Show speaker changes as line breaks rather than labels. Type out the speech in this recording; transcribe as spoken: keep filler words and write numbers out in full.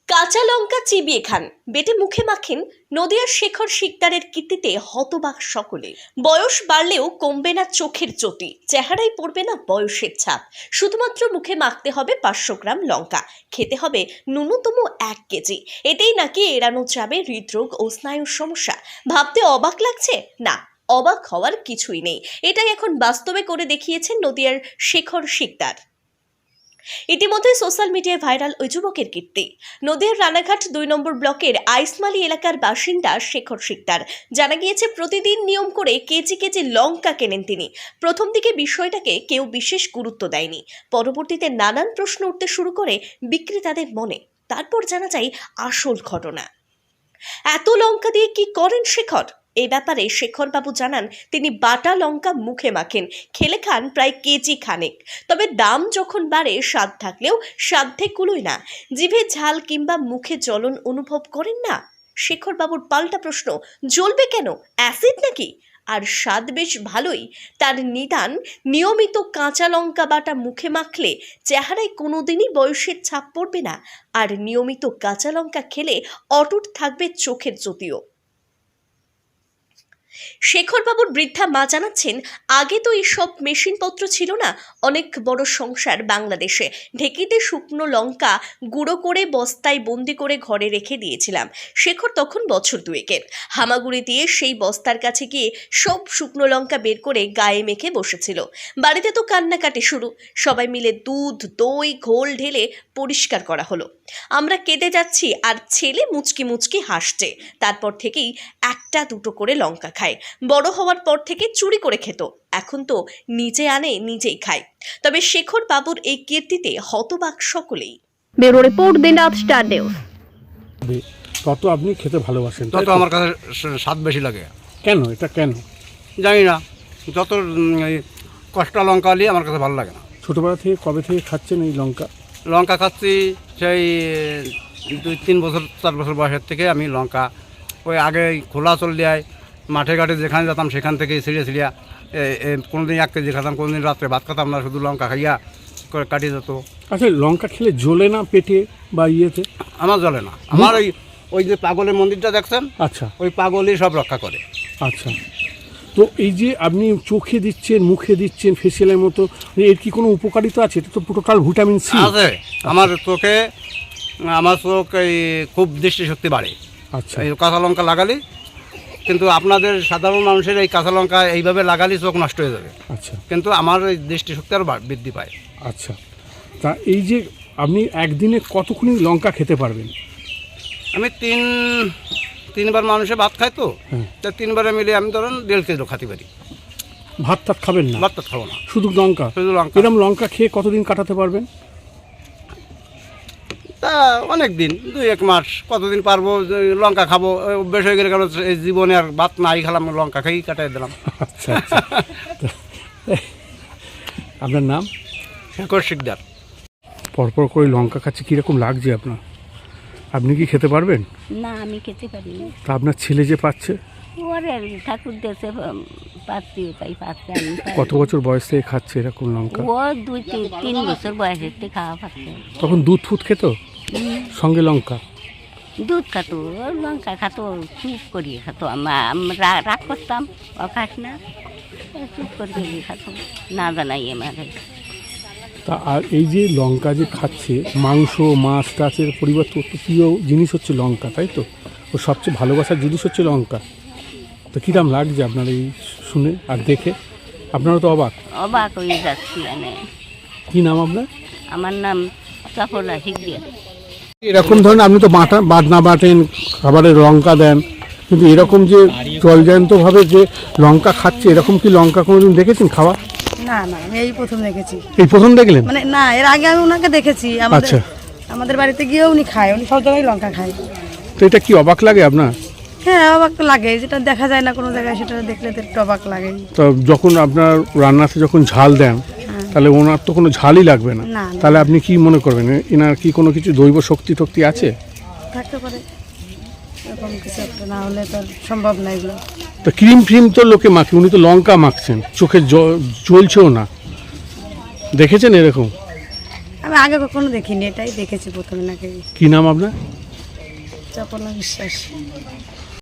কাঁচা লঙ্কা চিবিয়ে খান, বেটে মুখে মাখেন। নদিয়ার শেখর শিকদারের কীর্তিতে হতবাক সকলে। বয়স বাড়লেও কমবে না চোখের জ্যোতি, চেহারায় পড়বে না বয়সের ছাপ। শুধুমাত্র মুখে মাখতে হবে পাঁচশো গ্রাম লঙ্কা, খেতে হবে ন্যূনতম এক কেজি। এতেই নাকি এড়ানো যাবে হৃদরোগ ও স্নায়ুর সমস্যা। ভাবতে অবাক লাগছে? না, অবাক হওয়ার কিছুই নেই। এটাই এখন বাস্তবে করে দেখিয়েছেন নদিয়ার শেখর শিকদার। ইতিমধ্যে সোশ্যাল মিডিয়ায় ভাইরাল ওই যুবকের কীর্তি। নদিয়ার রানাঘাট দুই নম্বর ব্লকের আইসমালি এলাকার বাসিন্দা শেখর শিকদার। জানা গিয়েছে প্রতিদিন নিয়ম করে কেজি কেজি লঙ্কা কেনেন তিনি। প্রথম দিকে বিষয়টাকে কেউ বিশেষ গুরুত্ব দেয়নি, পরবর্তীতে নানান প্রশ্ন উঠতে শুরু করে বিক্রেতাদের মনে। তারপর জানা যায় আসল ঘটনা। এত লঙ্কা দিয়ে কি করেন শেখর? এই ব্যাপারে শেখর বাবু জানান, তিনি বাটা লঙ্কা মুখে মাখেন, খেলে খান প্রায় কেজি খানেক। তবে দাম যখন বাড়ে, স্বাদ থাকলেও সাধ্যে কুলোয় না। জিভে ঝাল কিংবা মুখে জ্বলন অনুভব করেন না? শেখর বাবুর পাল্টা প্রশ্ন, জ্বলবে কেন? অ্যাসিড নাকি? আর স্বাদ বেশ ভালোই। তার নিদান, নিয়মিত কাঁচা লঙ্কা বাটা মুখে মাখলে চেহারায় কোনোদিনই বয়সের ছাপ পড়বে না, আর নিয়মিত কাঁচা লঙ্কা খেলে অটুট থাকবে চোখের জ্যোতিও। শেখর বাবুর বৃদ্ধা মা জানাচ্ছেন, আগে তো এইসব মেশিনপত্র ছিল না। অনেক বড় সংসার বাংলাদেশে। ঢেকিতে শুকনো লঙ্কা গুঁড়ো করে বস্তায় বন্দি করে ঘরে রেখে দিয়েছিলাম। শেখর তখন বছর দুয়েকের। হামাগুড়ি দিয়ে সেই বস্তার কাছে গিয়ে সব শুকনো লঙ্কা বের করে গায়ে মেখে বসেছিল। বাড়িতে তো কান্নাকাটি শুরু। সবাই মিলে দুধ, দই, ঘোল ঢেলে পরিষ্কার করা হলো। আমরা কেঁদে যাচ্ছি আর ছেলে মুচকি মুচকি হাসছে। তারপর থেকেই একটা দুটো করে লঙ্কা খায়। বড় হওয়ার পর থেকে চুরি করে খেত, এখন তো নিজে আনে নিজেই খায়। তবে শেখর বাবুর এই কীর্তিতে হতবাক সকলেই।
Bureau report, Dinraat star news.
তত আপনি খেতে ভালোবাসেন,
তত আমার কাছে স্বাদ বেশি লাগে।
কেন? এটা কেন
জানি না, যত কষ্টা লঙ্কা নিয়ে আমার কাছে ভালো লাগে না।
ছোটবেলা থেকে কবে থেকে খাচ্ছেন এই লঙ্কা?
লঙ্কা খাচ্ছি সেই দুই তিন বছর চার বছর বয়সের থেকে আমি লঙ্কা ওই আগে খোলা চল দেয় মাঠে ঘাটে যেখানে যেতাম সেখান থেকে ছিঁড়ে ছিঁড়িয়া কোনো দিন এক কেজি খাতাম, কোনো দিন রাত্রে ভাত খাতাম না, শুধু লঙ্কা খাইয়া করে কাটিয়ে যেত।
আচ্ছা, লঙ্কা খেলে জ্বলে না পেটে বা ইয়েতে?
আমার জ্বলে না। আমার ওই ওই যে পাগলের মন্দিরটা দেখছেন,
আচ্ছা,
ওই পাগলই সব রক্ষা করে।
আচ্ছা। তো এই যে আপনি চোখে দিচ্ছেন, মুখে দিচ্ছেন ফেসিয়ালের মতো, এর কি কোনো উপকারিতা আছে? এটা তো টোটাল ভিটামিন সি
আছে। আমার চোখে, আমার চোখ এই খুব দৃষ্টিশক্তি বাড়ে।
আচ্ছা,
এই কাঁচা লঙ্কা লাগালি, কিন্তু আপনাদের সাধারণ মানুষের এই কাঁচা লঙ্কা এইভাবে লাগালে চোখ নষ্ট হয়ে যাবে।
আচ্ছা,
কিন্তু আমার এই দৃষ্টিশক্তি আরও বৃদ্ধি পায়।
আচ্ছা। তা এই যে আপনি একদিনে কতক্ষণ লঙ্কা খেতে পারবেন?
আমি তিন তিনবার মানুষে ভাত খাই তো,
হ্যাঁ।
তা তিনবারে মিলে আমি ধরেন দেড় কেজি খাতে পারি।
ভাত টাত খাবেন না?
ভাত টাত খাবো না,
শুধু লঙ্কা?
শুধু লঙ্কা।
এরকম লঙ্কা খেয়ে কতদিন কাটাতে পারবেন?
তা অনেক দিন, দুই এক মাস, কতদিন পারবো। লঙ্কা খাবো অভ্যেস হয়ে গেলে, কারণ এই জীবনে আর ভাত নাই খেলাম, লঙ্কা খেয়েই কাটাই দিলাম।
আচ্ছা, আচ্ছা। আপনার নাম?
শেখর শিকদার।
পরপর করে লঙ্কা খাচ্ছে, কীরকম লাগছে আপনার? আপনি কি খেতে পারবেন?
না, আমি খেতে পারি না।
তা আপনার ছেলে যে পাচ্ছে?
ওরে ঠাকুর দেশে পাচ্ছি, তাই পাচ্ছে। আমি পারি
কত বছর বয়স থেকে খাচ্ছে এরকম লঙ্কা?
না। ও দুই তিন তিন বছর বয়সের থেকে খাওয়া পাচ্ছে।
তখন দুধ ফুট খেত সঙ্গে লঙ্কা?
দুধ খাতো, ও লঙ্কা খাতো, চুপ করিয়ে খাতো। আমরা রাগ করতাম, ও খাস না, ও চুপ করিয়ে খাতো, না জানাই আমাদের।
তা আর এই যে লঙ্কা যে খাচ্ছে, মাংস মাছ টাচের পরিবর্তে অত প্রিয় জিনিস হচ্ছে লঙ্কা, তাই তো? ও সবচেয়ে ভালোবাসার জিনিস হচ্ছে লঙ্কা। তো কীরকম লাগছে আপনার এই শুনে আর দেখে? আপনারা তো অবাক?
অবাক হয়ে যাচ্ছি আমি।
কী নাম আপনার?
আমার নাম চপলা শিকদার।
এরকম ধরনের আপনি তো বাটা বাটনা বাটেন, খাবারে লঙ্কা দেন, কিন্তু এরকম যে জলজান্তভাবে যে লঙ্কা খাচ্ছে, এরকম কি লঙ্কা কোনোদিন দেখেছেন খাওয়া?
না না, আমি এই প্রথম দেখেছি।
এই প্রথম দেখলেন?
মানে না, এর আগে আমি ওনাকে দেখেছি। আমাদের
আচ্ছা,
আমাদের বাড়িতে গিয়েও উনি খায়, উনি সব জায়গায় লঙ্কা খায়।
তো এটা কি অবাক লাগে আপনার?
হ্যাঁ, অবাক তো লাগে, যেটা দেখা যায় না কোনো জায়গায়, সেটা দেখলে তো একটু অবাক লাগে।
তো যখন আপনার রান্নাতে যখন ঝাল দেন, তাহলে ওনার তো কোনো ঝালই লাগবে না।
না, না।
তাহলে আপনি কি মনে করবেন, এনার কি কোনো কিছু দৈব শক্তি টক্তি আছে?
থাকতে পারে এরকম কিছু একটা, না হলে তো আর সম্ভব না এগুলো।
তো ক্রিম ফ্রিম তো লোকে মাখে, উনি তো লঙ্কা মাখছেন, চোখে জ্বলছেও না। দেখেছেন এরকম?
আমি আগে কখনো দেখিনি, এটাই দেখেছি প্রথমে নাকি।
কি নাম আপনার?
চাপনা বিশ্বাস।